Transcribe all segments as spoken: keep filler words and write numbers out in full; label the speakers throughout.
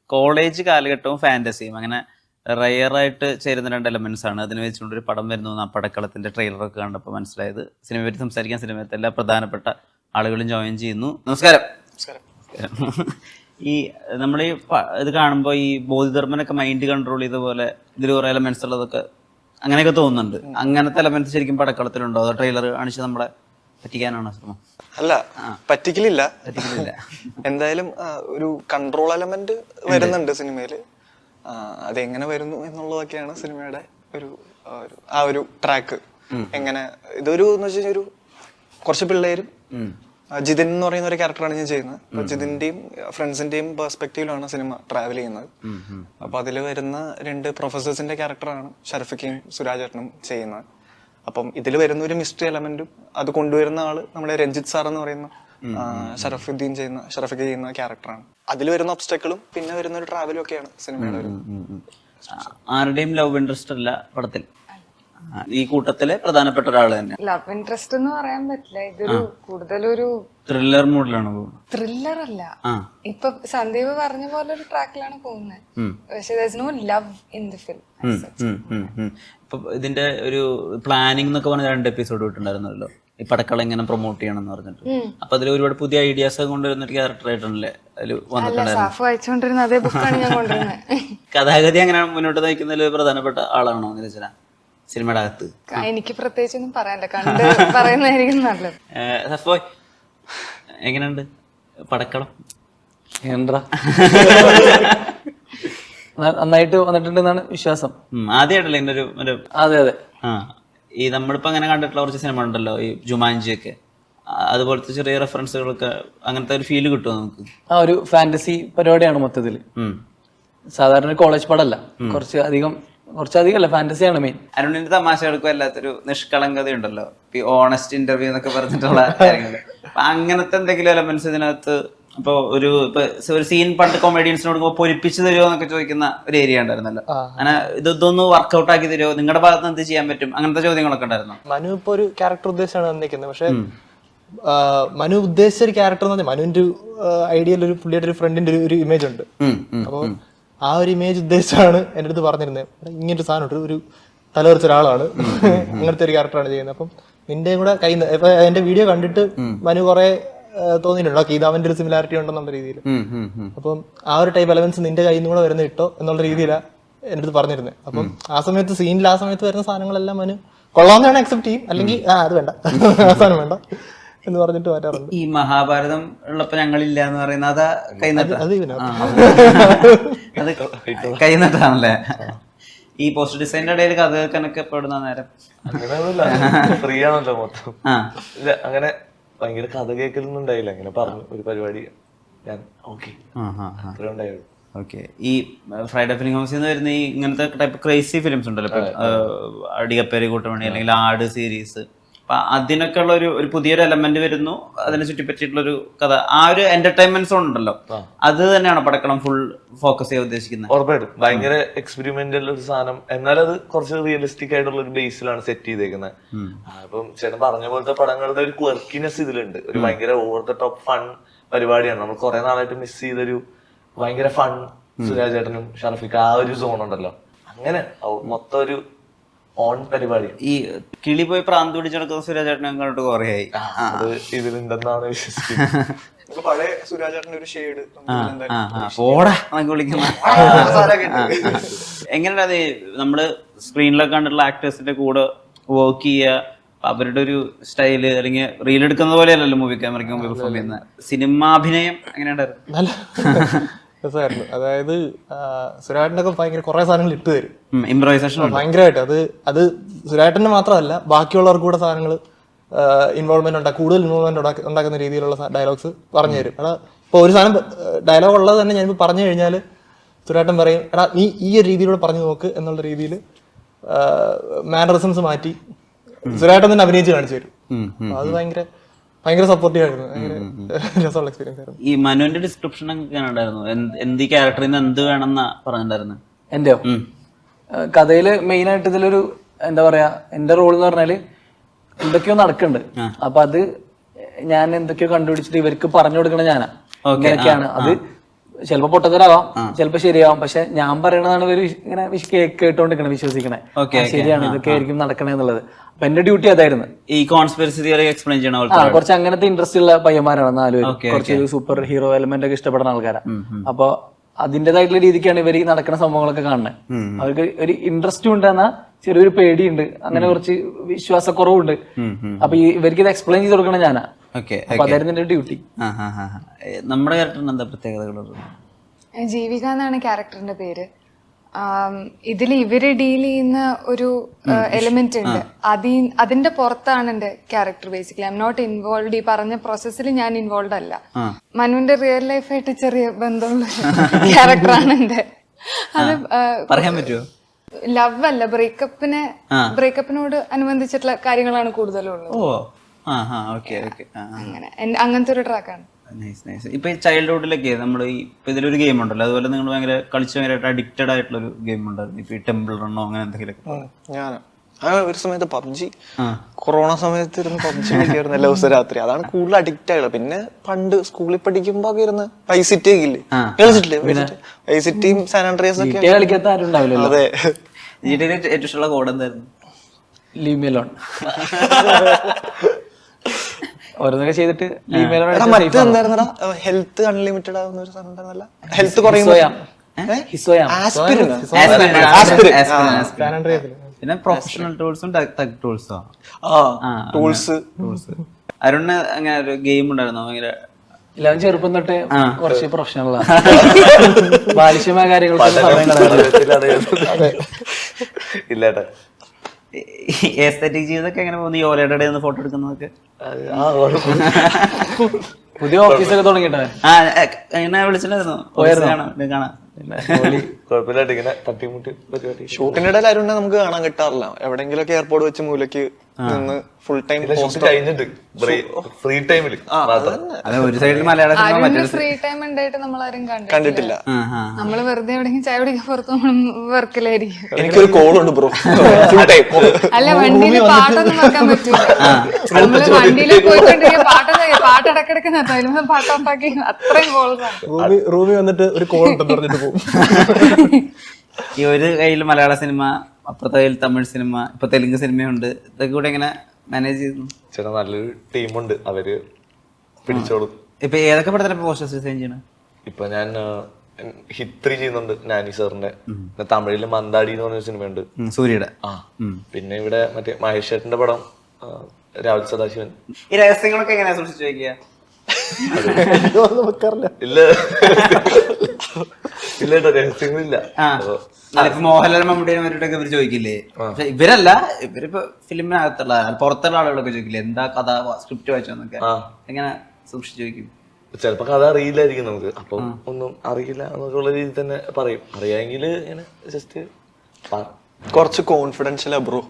Speaker 1: College കാലഘട്ടവും ഫാന്റസിയും അങ്ങനെ റയറായിട്ട് ചേരുന്ന രണ്ട് എലമെന്റ്സ് ആണ്. അതിന് വെച്ചുകൊണ്ട് ഒരു പടം വരുന്നു ആ പടക്കളത്തിന്റെ ട്രെയിലറൊക്കെ കണ്ടപ്പോൾ മനസ്സിലായത്. സിനിമയെ പറ്റി സംസാരിക്കാൻ സിനിമയത്തെ എല്ലാ പ്രധാനപ്പെട്ട ആളുകളും ജോയിൻ ചെയ്യുന്നു. നമസ്കാരം. ഈ നമ്മൾ ഈ ഇത് കാണുമ്പോൾ ഈ ബോധിധർമ്മനൊക്കെ മൈൻഡ് കൺട്രോൾ ചെയ്ത പോലെ ഇതിൽ കുറെ എലമെന്റ്സ് ഉള്ളതൊക്കെ അങ്ങനെയൊക്കെ തോന്നുന്നുണ്ട്. അങ്ങനത്തെ എലമെന്റ്സ് ശരിക്കും പടക്കളത്തിലുണ്ടോ? അതോ ട്രെയിലർ കാണിച്ച് നമ്മളെ പറ്റിക്കാനാണോ ശ്രമം?
Speaker 2: അല്ല, പറ്റിക്കലില്ല പറ്റിക്കലില്ല എന്തായാലും ഒരു കൺട്രോൾ എലമെന്റ് വരുന്നുണ്ട് സിനിമയില്. അതെങ്ങനെ വരുന്നു എന്നുള്ളതൊക്കെയാണ് സിനിമയുടെ ഒരു ആ ഒരു ട്രാക്ക്. എങ്ങനെ ഇതൊരു എന്ന് വെച്ച് കഴിഞ്ഞാൽ ഒരു കുറച്ച് പിള്ളേരും ജിതിൻ എന്ന് പറയുന്ന ഒരു ക്യാരക്ടറാണ് ഞാൻ ചെയ്യുന്നത്. അപ്പൊ ജിതിന്റെയും ഫ്രണ്ട്സിന്റെയും പെർസ്പെക്റ്റീവിലാണ് സിനിമ ട്രാവൽ ചെയ്യുന്നത്. അപ്പൊ അതിൽ വരുന്ന രണ്ട് പ്രൊഫസേഴ്സിന്റെ ക്യാരക്ടറാണ് ഷർഫിക്കയും സുരാജേട്ടനും ചെയ്യുന്നത്. അപ്പം ഇതിൽ വരുന്ന ഒരു മിസ്റ്ററി എലമെന്റും അത് കൊണ്ടുവരുന്ന ആള് നമ്മുടെ രഞ്ജിത്ത് സാർ എന്ന് പറയുന്ന ഷറഫുദ്ദീൻ ചെയ്യുന്ന ഷറഫിക്ക ചെയ്യുന്ന ക്യാരക്ടറാണ്. അതിൽ വരുന്ന ഒബ്സ്റ്റക്കിളും പിന്നെ വരുന്ന ഒരു ട്രാവലും ഒക്കെയാണ് സിനിമയുടെ ഒരു.
Speaker 1: ആരുടെയും ലവ് ഇൻട്രസ്റ്റ് അല്ല പടത്തിൽ, ഈ കൂട്ടത്തിലെ പ്രധാനപ്പെട്ട ഒരാൾ തന്നെ.
Speaker 3: ലവ് ഇൻട്രസ്റ്റ് എന്ന് പറയാൻ പറ്റില്ല, ഇതൊരു കൂടുതലൊരു
Speaker 1: ത്രില്ലർ മൂഡിലാണ്.
Speaker 3: ത്രില്ലർ അല്ല, ഇപ്പൊ സന്ദീപ് പറഞ്ഞ പോലെ ഒരു ട്രാക്കിലാണ് പോകുന്നത്. പക്ഷെ there's no love in the film.
Speaker 1: ഇപ്പൊ ഇതിന്റെ ഒരു പ്ലാനിംഗ് എന്നൊക്കെ പറഞ്ഞ രണ്ട് എപ്പിസോഡ് വിട്ടുണ്ടായിരുന്നല്ലോ, ഈ പടക്കളം എങ്ങനെ പ്രൊമോട്ട് ചെയ്യണം എന്ന് പറഞ്ഞിട്ട്. അപ്പൊ അതിൽ ഒരുപാട് പുതിയ ഐഡിയാസ് കൊണ്ടുവരുന്ന ഒരു ക്യാരക്ടർ ആയിട്ടാണല്ലേ അതിൽ
Speaker 3: വന്നിട്ടുണ്ടായിരുന്നു. അതേ ബുക്കാണ് ഞാൻ കൊണ്ടുവരുന്നത്.
Speaker 1: കഥാഗതി അങ്ങനെ മുന്നോട്ട് നയിക്കുന്നതിൽ പ്രധാനപ്പെട്ട ആളാണോ നിരഞ്ജന സിനിമയുടെ അകത്ത്?
Speaker 3: എനിക്ക് പ്രത്യേകിച്ചൊന്നും പറയാനില്ല, കണ്ട് പറയുന്നതായിരിക്കും നല്ലത്.
Speaker 1: സഫോയ്, എങ്ങനെയുണ്ട് പടക്കളം?
Speaker 4: നന്നായിട്ട് വന്നിട്ടുണ്ടെന്നാണ് വിശ്വാസം.
Speaker 1: ആദ്യമായിട്ടല്ലേ ഇങ്ങനെ ഒരു?
Speaker 4: അതെ അതെ.
Speaker 1: ആ, ഈ നമ്മളിപ്പോ അങ്ങനെ കണ്ടിട്ടുള്ള കുറച്ച് സിനിമ ഉണ്ടല്ലോ, ഈ ജുമാൻജി ഒക്കെ, അതുപോലത്തെ ചെറിയ റെഫറൻസുകളൊക്കെ, അങ്ങനത്തെ ഒരു ഫീല് കിട്ടുമോ നമുക്ക്?
Speaker 4: ആ ഒരു ഫാന്റസി പരിപാടിയാണ് മൊത്തത്തില്. സാധാരണ കോളേജ് പടമല്ല, കുറച്ച് അധികം കുറച്ചധികം അല്ല, ഫാന്റസിയാണ് മെയിൻ.
Speaker 1: അരുണിന്റെ തമാശകൾക്കും അല്ലാത്തൊരു നിഷ്കളങ്കത ഉണ്ടല്ലോ, ഈ ഓണസ്റ്റ് ഇന്റർവ്യൂ എന്നൊക്കെ പറഞ്ഞിട്ടുള്ള കാര്യങ്ങള്. അപ്പൊ അങ്ങനത്തെ എന്തെങ്കിലും എലമെന്റ്സ് ഇതിനകത്ത്? ഇപ്പൊ ഒരു ഇപ്പൊ ഒരു സീൻ പണ്ട് കൊമേഡിയൻസിനോട് പൊരിപ്പിച്ചു തരുമോ എന്നൊക്കെ ചോദിക്കുന്ന ഒരു ഏരിയ ഉണ്ടായിരുന്നല്ലോ. അങ്ങനെ ഇതൊന്ന് വർക്ക്ഔട്ട് ആക്കി തരുമോ, നിങ്ങളുടെ ഭാഗത്ത് എന്ത് ചെയ്യാൻ പറ്റും, അങ്ങനത്തെ ചോദ്യങ്ങളൊക്കെ ഉണ്ടായിരുന്നു.
Speaker 2: മനു ഇപ്പൊ ഒരു ക്യാരക്ടർ ഉദ്ദേശിച്ചാണ് വന്നിരിക്കുന്നത്. പക്ഷെ മനു ഉദ്ദേശിച്ച ഒരു ക്യാരക്ടർ എന്ന് പറഞ്ഞാൽ മനുവിന്റെ ഐഡിയയിൽ ഒരു പുള്ളിയുടെ ഒരു ഫ്രണ്ടിന്റെ ഒരു ഇമേജ് ഉണ്ട്. അപ്പൊ ആ ഒരു ഇമേജ് ഉദ്ദേശിച്ചാണ് എന്റെ അടുത്ത് പറഞ്ഞിരുന്നത്. ഇങ്ങനൊരു സാധനം ഒരു തലവറിച്ച ഒരാളാണ്, അങ്ങനത്തെ ഒരു ക്യാരക്ടറാണ് ചെയ്യുന്നത്. അപ്പം നിന്റെ കൂടെ കൈ ഇപ്പൊ എന്റെ വീഡിയോ കണ്ടിട്ട് മനു കുറെ തോന്നിയിട്ടുണ്ടോ ഇത് അവന്റെ ഒരു സിമിലാരിറ്റി ഉണ്ടെന്നുള്ള രീതിയിൽ. അപ്പം ആ ഒരു ടൈപ്പ് എലമെന്റ്സ് നിന്റെ കയ്യിൽ നിന്ന് കൂടെ വരുന്ന ഇട്ടോ എന്നുള്ള രീതിയിലാണ് എന്റെ അടുത്ത് പറഞ്ഞിരുന്നത്. അപ്പം ആ സമയത്ത് സീനിൽ ആ സമയത്ത് വരുന്ന സാധനങ്ങളെല്ലാം മനു കൊള്ളാവുന്നതാണ് അക്സെപ്റ്റ് ചെയ്യും, അല്ലെങ്കിൽ ആ അത് വേണ്ട, ആ സാധനം വേണ്ട എന്ന് പറഞ്ഞിട്ട് മാറ്റാറുണ്ട്.
Speaker 1: ഈ മഹാഭാരതം ഉള്ളപ്പോ ഞങ്ങളില്ല എന്ന് പറയുന്നത് അതാ കൈനട്ട്? അത് കൈനട്ടാണല്ലേ? ഈ പോസ്റ്റ് ഡിസൈനിന്റെ ഇടയിൽ കഥ കേൾക്കാനൊക്കെ പെടുന്ന നേരം
Speaker 5: ഫ്രീ ആണല്ലോ മൊത്തം. അങ്ങനെ ഭയങ്കര കഥ കേൾക്കലൊന്നും ഉണ്ടായില്ല. അങ്ങനെ പറഞ്ഞു ഒരു പരിപാടി ഞാൻ ഓക്കെ ഉണ്ടായുള്ളൂ.
Speaker 1: ഓക്കെ. ഈ ഫ്രൈഡേ ഫിലിം ഹൗസിൽ നിന്ന് വരുന്ന ഈ ഇങ്ങനത്തെ ടൈപ്പ് ക്രേസി ഫിലിംസ് ഉണ്ടല്ലോ, ഇപ്പൊ അടികപ്പേരി കൂട്ടമണി അല്ലെങ്കിൽ ആട് സീരീസ്, അപ്പൊ അതിനൊക്കെ ഉള്ള ഒരു ഒരു പുതിയൊരു എലമെന്റ് വരുന്നു, അതിനെ ചുറ്റിപ്പറ്റിയിട്ടുള്ള ഒരു കഥ, ആ ഒരു എന്റർടൈൻമെന്റ് സോൺ ഉണ്ടല്ലോ, അത് തന്നെയാണ് പടക്കളം ഫുൾ ഫോക്കസ് ചെയ്യാൻ ഉദ്ദേശിക്കുന്നത്?
Speaker 5: ഉറപ്പായിട്ടും ഭയങ്കര എക്സ്പെരിമെന്റൽ ഒരു സാധനം, എന്നാൽ അത് കുറച്ച് റിയലിസ്റ്റിക് ആയിട്ടുള്ള ഒരു ബേസിലാണ് സെറ്റ് ചെയ്തേക്കുന്നത്. അപ്പം ചേട്ടൻ പറഞ്ഞ പോലത്തെ പടങ്ങളുടെ ഒരു ക്വർക്കിനെസ് ഇതിലുണ്ട്. ഒരു ഭയങ്കര ഓവർ ദ ടോപ്പ് ഫൺ പരിപാടിയാണ്. നമ്മൾ കുറെ നാളായിട്ട് മിസ് ചെയ്തൊരു ഭയങ്കര ഫൺ സുരാജ് ചേട്ടനും ഷറഫിക്ക ആ ഒരു സോൺ ഉണ്ടല്ലോ, അങ്ങനെ മൊത്തം ഒരു ഓൺ പരിപാടി.
Speaker 1: ഈ കിളി പോയി പ്രാന്ത് പിടിച്ചെടുക്കുന്ന സുരാജ് ചേട്ടനെ കണ്ടിട്ട് കുറേയായി.
Speaker 5: അത് ഇതിലുണ്ടെന്നാണ് വിശ്വസിക്കുന്നത്.
Speaker 2: പഴയ സുരാജ് ചേട്ടന്റെ ഒരു ഷെയ്ഡ്
Speaker 1: ഓടാ എന്നൊക്കെ വിളിക്കുന്ന എങ്ങനെയാണ് അത് നമ്മള് സ്ക്രീനിലൊക്കെ കണ്ടിട്ടുള്ള ആക്ടേഴ്സിന്റെ കൂടെ വർക്ക് ചെയ്യുക, അവരുടെ ഒരു സ്റ്റൈല്, അല്ലെങ്കിൽ റീൽ എടുക്കുന്ന പോലെയല്ലല്ലോ മൂവി ക്യാമറയ്ക്ക് മുമ്പ് പെർഫോം ചെയ്യുന്ന സിനിമാഭിനയം എങ്ങനെയുണ്ടായിരുന്നു?
Speaker 2: രസമായിരുന്നു. അതായത് സുരാട്ടനൊക്കെ ഭയങ്കര കുറെ സാധനങ്ങൾ ഇട്ട് തരും,
Speaker 1: ഇംപ്രൈസേഷൻ ഭയങ്കരമായിട്ട്.
Speaker 2: അത് അത് സുരാട്ടന് മാത്രമല്ല ബാക്കിയുള്ളവർക്ക് കൂടെ സാധനങ്ങൾ ഇൻവോൾവ്മെന്റ് ഉണ്ടാക്കും, കൂടുതൽ ഇൻവോൾവ്മെന്റ് ഉണ്ടാക്കുന്ന രീതിയിലുള്ള ഡയലോഗ്സ് പറഞ്ഞു തരും. എടാ ഇപ്പൊ ഒരു സാധനം ഡയലോഗ് ഉള്ളത് തന്നെ ഞാനിപ്പോ പറഞ്ഞു കഴിഞ്ഞാൽ സുരാട്ടൻ പറയും, എടാ നീ ഈ ഒരു രീതിയിലൂടെ പറഞ്ഞു നോക്ക് എന്നുള്ള രീതിയിൽ മാനറിസംസ് മാറ്റി സുരാട്ടൻ തന്നെ അഭിനയിച്ച് കാണിച്ചു തരും. അത് ഭയങ്കര ഭയങ്കര സപ്പോർട്ടീവ് ആയിരുന്നു, ഭയങ്കര രസമുള്ള എക്സ്പീരിയൻസ് ആയിരുന്നു.
Speaker 1: ഈ മനുവിന്റെ ഡിസ്ക്രിപ്ഷൻ ഒക്കെ ഉണ്ടായിരുന്നു, എന്ത് ഈ ക്യാരക്ടറിന് എന്ത് വേണമെന്നാ പറഞ്ഞിട്ടുണ്ടായിരുന്നു?
Speaker 4: എന്റെയോ കഥയില് മെയിൻ ആയിട്ട് ഇതിലൊരു എന്താ പറയാ, എന്റെ റോൾ എന്ന് പറഞ്ഞാല് എന്തൊക്കെയോ നടക്കുന്നുണ്ട്. അപ്പൊ അത് ഞാൻ എന്തൊക്കെയോ കണ്ടുപിടിച്ചിട്ട് ഇവർക്ക് പറഞ്ഞു കൊടുക്കണ ഞാനാ. ഇങ്ങനെയൊക്കെയാണ് അത് ചിലപ്പോ പൊട്ടത്തരാവാം, ചിലപ്പോ ശരിയാവാം. പക്ഷെ ഞാൻ പറയണതാണ് ഇവര് ഇങ്ങനെ വിശ് കേ- കേട്ടോണ്ടിരിക്കണേ, വിശ്വസിക്കണേ.
Speaker 1: Okay,
Speaker 4: ആ, ശരിയാണ്, ഇതൊക്കെ ആയിരിക്കും നടക്കണേ എന്നുള്ളത്. അപ്പൊ എന്റെ ഡ്യൂട്ടി അതായിരുന്നു.
Speaker 1: ഈ കോൺസ്പിറസി തിയറി എക്സ്പ്ലെയിൻ ചെയ്യണ
Speaker 4: ആ
Speaker 1: പോലത്തെ
Speaker 4: കുറച്ച് അങ്ങനത്തെ ഇൻട്രസ്റ്റ് ഉള്ള പയ്യന്മാരാണ് നാല് പേര്.
Speaker 1: Okay,
Speaker 4: കുറച്ച് സൂപ്പർ ഹീറോ എലമെന്റ് ഒക്കെ ഇഷ്ടപ്പെടുന്ന ആൾക്കാരാണ്. അപ്പൊ അതിന്റേതായിട്ടുള്ള രീതിക്കാണ് ഇവർ ഈ നടക്കുന്ന സംഭവങ്ങളൊക്കെ കാണുന്നത്. അവർക്ക് ഒരു ഇൻട്രസ്റ്റും ഉണ്ട്, എന്നാൽ ചെറിയൊരു പേടിയുണ്ട്, അങ്ങനെ കുറച്ച് വിശ്വാസക്കുറവുണ്ട്. അപ്പൊ ഈ ഇവർക്ക് ഇത് എക്സ്പ്ലെയിൻ ചെയ്ത് കൊടുക്കണം ഞാനാ.
Speaker 1: ഓക്കെ.
Speaker 4: അപ്പൊ അതായിരുന്നു എന്റെ ഡ്യൂട്ടി.
Speaker 1: നമ്മുടെ ക്യാരക്ടറിന് എന്താ പ്രത്യേകതകളുള്ളത്?
Speaker 3: ജീവിക എന്നാണ് ക്യാരക്ടറിന്റെ പേര്. ഇതിൽ ഇവര് ഡീൽ ചെയ്യുന്ന ഒരു എലിമെന്റ് ഉണ്ട്, അതി അതിന്റെ പുറത്താണ് എന്റെ character. Basically I am not involve. ഈ പറഞ്ഞ പ്രോസസ്സിൽ ഞാൻ ഇൻവോൾവ് അല്ല. മനുവിന്റെ റിയൽ ലൈഫായിട്ട് ചെറിയ ബന്ധമുള്ള ക്യാരക്ടറാണ് എന്റെ. അത്
Speaker 1: പറയാൻ പറ്റുമോ?
Speaker 3: ലവ് അല്ല, ബ്രേക്കപ്പിനെ ബ്രേക്കപ്പിനോട് അനുബന്ധിച്ചിട്ടുള്ള കാര്യങ്ങളാണ് കൂടുതലും ഉള്ളത്.
Speaker 1: ഓ ആ ഹാ ഓക്കെ ഓക്കെ.
Speaker 3: അങ്ങനെ അങ്ങനത്തെ ഒരു ട്രാക്കാണ്.
Speaker 1: Nice nice. ഇപ്പൊ ഈ ചൈൽഡ്ഹുഡിലൊക്കെ നമ്മൾ ഈ ഇപ്പൊ ഇതിലൊരു ഗെയിം ഉണ്ടല്ലോ, അതുപോലെ നിങ്ങൾ ഭയങ്കര കളിച്ച് ഭയങ്കരമായിട്ട് അഡിക്റ്റഡ് ആയിട്ടുള്ള ഒരു ഗെയിം ഉണ്ടായിരുന്നു. ഇപ്പൊ ഈ ടെമ്പിൾ റണ്ണോ അങ്ങനെ എന്തെങ്കിലുമൊക്കെ?
Speaker 2: ഞാൻ ആ ഒരു സമയത്ത് പബ്ജി, കൊറോണ സമയത്ത് ഇരുന്ന് പബ്ജി കളിക്കായിരുന്നു എല്ലാ ദിവസവും രാത്രി. അതാണ് കൂടുതൽ അഡിക്റ്റ് ആയത്. പിന്നെ പണ്ട് സ്കൂളിൽ പഠിക്കുമ്പോ ഒക്കെ ഇരുന്ന് വൈസിറ്റി ഒക്കെ ഇല്ലേ, കളിച്ചിട്ടില്ലേ? വൈസിറ്റിയും സാൻ ആൻഡ്രിയാസ് ഒക്കെ
Speaker 4: കളിക്കാത്ത ആരും ഉണ്ടാവില്ലല്ലോ.
Speaker 2: അതെ.
Speaker 1: ജിടിയിലെ ഏറ്റവും ഇഷ്ടമുള്ള കോഡ് എന്തായിരുന്നു?
Speaker 4: Leave me alone. ഓരോന്നൊക്കെ ചെയ്തിട്ട് ലീവ് മീ അലോൺ.
Speaker 2: മറ്റെന്തായിരുന്നടാ, ഹെൽത്ത് അൺലിമിറ്റഡ് ആവുന്ന ഒരു സാധനം ഉണ്ടായിരുന്നല്ല, ഹെൽത്ത് കുറയുമ്പോ
Speaker 1: പിന്നെ പ്രൊഫഷണൽ ടൂൾസും തഗ് ടൂൾസും.
Speaker 2: ടൂൾസ്
Speaker 1: ടൂൾസ് അരുണ് അങ്ങനെ ഒരു ഗെയിം ഉണ്ടായിരുന്നോ? ഭയങ്കര
Speaker 4: എല്ലാവരും ചെറുപ്പം തൊട്ട് കുറച്ച് പ്രൊഫഷണലാണ്. ബാലിശ്യമായ കാര്യങ്ങൾക്ക് സമയം കളയാതെ.
Speaker 5: ഇല്ലേട്ടാ.
Speaker 1: എസ്തെറ്റിക് ജീവിതമൊക്കെ എങ്ങനെ പോകുന്നു? ഈ ഓലയുടെ ഇടയിൽ നിന്ന് ഫോട്ടോ എടുക്കുന്നതൊക്കെ?
Speaker 4: പുതിയ ഓഫീസൊക്കെ തുടങ്ങിയിട്ടേ.
Speaker 1: ആ എങ്ങനെ വിളിച്ചിട്ടുണ്ടായിരുന്നു? കാണാം.
Speaker 5: കുഴപ്പമില്ലാട്ട് ഇങ്ങനെ തട്ടിമുട്ടി പരിപാടി.
Speaker 2: ഷൂട്ടിന്റെ ഇടയിൽ ആരും നമുക്ക് കാണാൻ കിട്ടാറില്ല. എവിടെങ്കിലൊക്കെ എയർപോർട്ട് വെച്ച് മൂലക്ക് നിന്ന് ഫുൾ ടൈം
Speaker 5: കഴിഞ്ഞിട്ട് ഫ്രീ ടൈമില്
Speaker 1: ഒരു സൈഡിൽ മലയാള സിനിമ
Speaker 3: ഫ്രീ ടൈം ഉണ്ടായിട്ട് നമ്മളാരും
Speaker 2: കണ്ടിട്ടില്ല.
Speaker 3: നമ്മള് വെറുതെ എവിടെയെങ്കിലും ചായ കുടിക്കാൻ പുറത്ത് നമ്മൾ വർക്കിലായിരിക്കും.
Speaker 2: എനിക്കൊരു കോൾ ഉണ്ട് ബ്രോ, ഫുൾ ടൈം.
Speaker 3: അല്ല, വണ്ടിയില് പാട്ടൊന്നും വെക്കാൻ പറ്റൂല. നമ്മള് വണ്ടിയിൽ പോയിക്കൊണ്ടിരിക്കുക പാട്ട് പാട്ട് ഇടക്കിടക്ക് നിർത്താം, പാട്ട് ഓഫാക്കി. അത്രയും കോൾസാണ്.
Speaker 6: റൂമിൽ വന്നിട്ട് ഒരു കോൾ ഉണ്ടെന്ന് പറഞ്ഞിട്ട് പോകും.
Speaker 1: ഈ ഒരു കയ്യിൽ മലയാള സിനിമ, അപ്പുറത്തെ കയ്യിൽ തമിഴ് സിനിമ, ഇപ്പൊ തെലുങ്ക് സിനിമയുണ്ട്. ഇതൊക്കെ കൂടെ എങ്ങനെ മാനേജ് ചെയ്യുന്നു?
Speaker 5: ചേട്ടാ നല്ലൊരു ടീമുണ്ട്, അവര് പിടിച്ചോളും.
Speaker 1: ഇപ്പൊ ഏതൊക്കെ പടത്തിലെ പോസ്റ്റേഴ്സ് ഡിസൈൻ ചെയ്യണം?
Speaker 5: ഇപ്പൊ ഞാൻ ഹിത്രി ചെയ്യുന്നുണ്ട് നാനി സാറിന്റെ. തമിഴില് മന്ദാടി എന്ന് പറഞ്ഞ സിനിമയുണ്ട്,
Speaker 1: സൂര്യയുടെ.
Speaker 5: ആ പിന്നെ ഇവിടെ മറ്റേ മഹേഷ് ചേട്ടന്റെ പടം രാഹുൽ സദാശിവൻ.
Speaker 1: ഈ രഹസ്യങ്ങളൊക്കെ എങ്ങനെയാ സൂക്ഷിച്ചു വെക്കുക?
Speaker 5: ഇല്ല ഇല്ല കേട്ടോ, രഹസ്യങ്ങളില്ല.
Speaker 1: ഇപ്പൊ മോഹൻലാൽ മമ്മൂട്ടിയെ മറ്റൊക്കെ ഇവര് ചോദിക്കില്ലേ? പക്ഷെ ഇവരല്ല, ഇവരിപ്പോ ഫിലിമിനകത്തുള്ള പുറത്തുള്ള ആളുകളൊക്കെ ചോദിക്കില്ലേ എന്താ കഥ, സ്ക്രിപ്റ്റ് വായിച്ചോന്നൊക്കെ? എങ്ങനെ സൂക്ഷിച്ചു ചോദിക്കും?
Speaker 5: ചിലപ്പോ കഥ അറിയില്ലായിരിക്കും നമുക്ക്, അപ്പം ഒന്നും അറിയില്ല എന്നൊക്കെയുള്ള രീതിയിൽ തന്നെ പറയും. അറിയാമെങ്കിൽ ഇങ്ങനെ ജസ്റ്റ്
Speaker 2: കുറച്ച് കോൺഫിഡൻഷ്യൽ ബ്രോ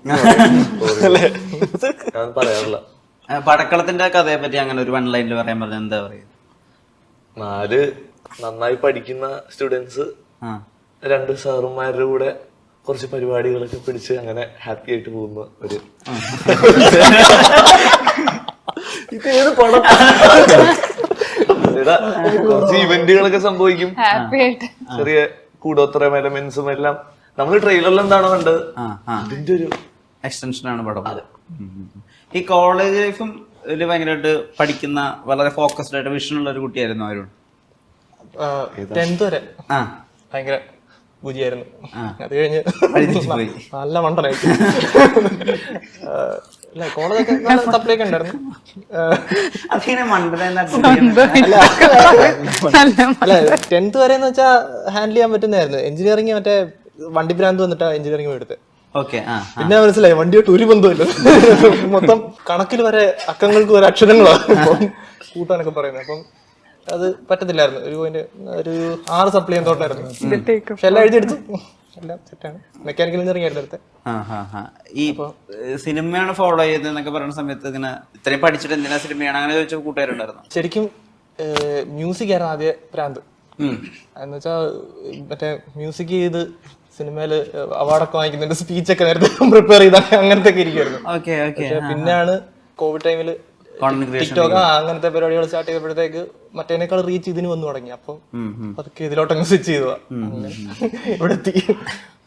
Speaker 5: ഞാൻ പറയാറില്ല.
Speaker 1: പടക്കളത്തിന്റെ കഥയെ പറ്റി അങ്ങനെ ഒരു വൺ ലൈനിൽ പറയാൻ പറഞ്ഞാൽ എന്താ പറയുക?
Speaker 5: നാല് നന്നായി പഠിക്കുന്ന സ്റ്റുഡൻസ് രണ്ട് സാറുമാരുടെ കൂടെ കുറച്ച് പരിപാടികളൊക്കെ പിടിച്ച് അങ്ങനെ ഹാപ്പി ആയിട്ട് പോകുന്ന ഒരു കുറച്ച് ഇവന്റുകളൊക്കെ സംഭവിക്കും. ചെറിയ കൂടോത്തരം എലമെന്റ്സും എല്ലാം നമ്മൾ ട്രെയിലറിൽ എന്താണോ കണ്ടത് അതിന്റെ ഒരു
Speaker 1: എക്സ്റ്റൻഷനാണ് പടം. ഈ കോളേജ് ലൈഫും ഇതിൽ ഭയങ്കരമായിട്ട് പഠിക്കുന്ന വളരെ ഫോക്കസ്ഡ് ആയിട്ട് വിഷനുള്ള ഒരു കുട്ടിയായിരുന്നു അരുൺ.
Speaker 6: ടെൻത്ത് വരെ
Speaker 1: ആ
Speaker 6: ഭയങ്കര ബുജിയായിരുന്നു. അത് കഴിഞ്ഞ് നല്ല മണ്ടനായി. അല്ല കോളേജൊക്കെ നല്ല സപ്ലൈയൊക്കെ ഉണ്ടായിരുന്നു.
Speaker 1: അതിങ്ങനെ മണ്ടന
Speaker 6: അല്ല ടെൻത്ത് വരെ എന്ന് വെച്ചാൽ ഹാൻഡിൽ ചെയ്യാൻ പറ്റുന്നതായിരുന്നു. എഞ്ചിനീയറിംഗ് മറ്റേ വണ്ടി ഭ്രാന്ത് വന്നിട്ടാ എഞ്ചിനീയറിംഗ് എടുത്ത്. പിന്നെ മനസ്സിലായി വണ്ടിയായിട്ട് ഒരു ബന്ധമില്ല, മൊത്തം കണക്കിൽ വരെ അക്കങ്ങൾക്ക് വരെ അക്ഷരങ്ങളാണ് കൂട്ടാനൊക്കെ പറയുന്നത്. അപ്പം അത് പറ്റത്തില്ലായിരുന്നു. ഒരു പോയിന്റ് ഒരു ആറ് സപ്ലൈ ചെയ്യാൻ തോട്ടായിരുന്നു. പക്ഷെ എല്ലാം എഴുതിയെടുത്തു, എല്ലാം സെറ്റാണ്. മെക്കാനിക്കൽ എഞ്ചിനീയറിംഗ് ആയിരുന്നു എടുത്തത്.
Speaker 1: ഈ സിനിമയാണ് ഫോളോ ചെയ്തെന്നൊക്കെ പറയുന്ന സമയത്ത് ഇങ്ങനെ ഇത്രയും പഠിച്ചിട്ട് എന്തിനാ സിനിമയാണ് അങ്ങനെ ചോദിച്ച കൂട്ടുകാരുണ്ടായിരുന്നു?
Speaker 6: ശരിക്കും മ്യൂസിക് ആയിരുന്നു ആദ്യ ഭ്രാന്ത്. എന്ന് വെച്ചാൽ മറ്റേ മ്യൂസിക് ചെയ്ത് സിനിമയില് അവാർഡൊക്കെ വാങ്ങിക്കുന്നുണ്ട്, സ്പീച്ചൊക്കെ നേരത്തെ പ്രിപ്പയർ ചെയ്ത അങ്ങനത്തെ ഒക്കെ ഇരിക്കുമായിരുന്നു. പിന്നെയാണ് കോവിഡ് ടൈമിൽ
Speaker 1: കോണ്ടന്റ് ക്രിയേഷൻ
Speaker 6: ടിക്ടോക്ക് ആ അങ്ങനത്തെ പരിപാടികൾ സ്റ്റാർട്ട് ചെയ്തപ്പോഴത്തേക്ക് മറ്റേനേക്കാൾ റീച്ച് ഇതിന് വന്നു തുടങ്ങി. അപ്പം അതൊക്കെ ഇതിലോട്ടങ്ങ് സ്വിച്ച് ചെയ്തതാ. അങ്ങനെ ഇവിടെ എത്തി.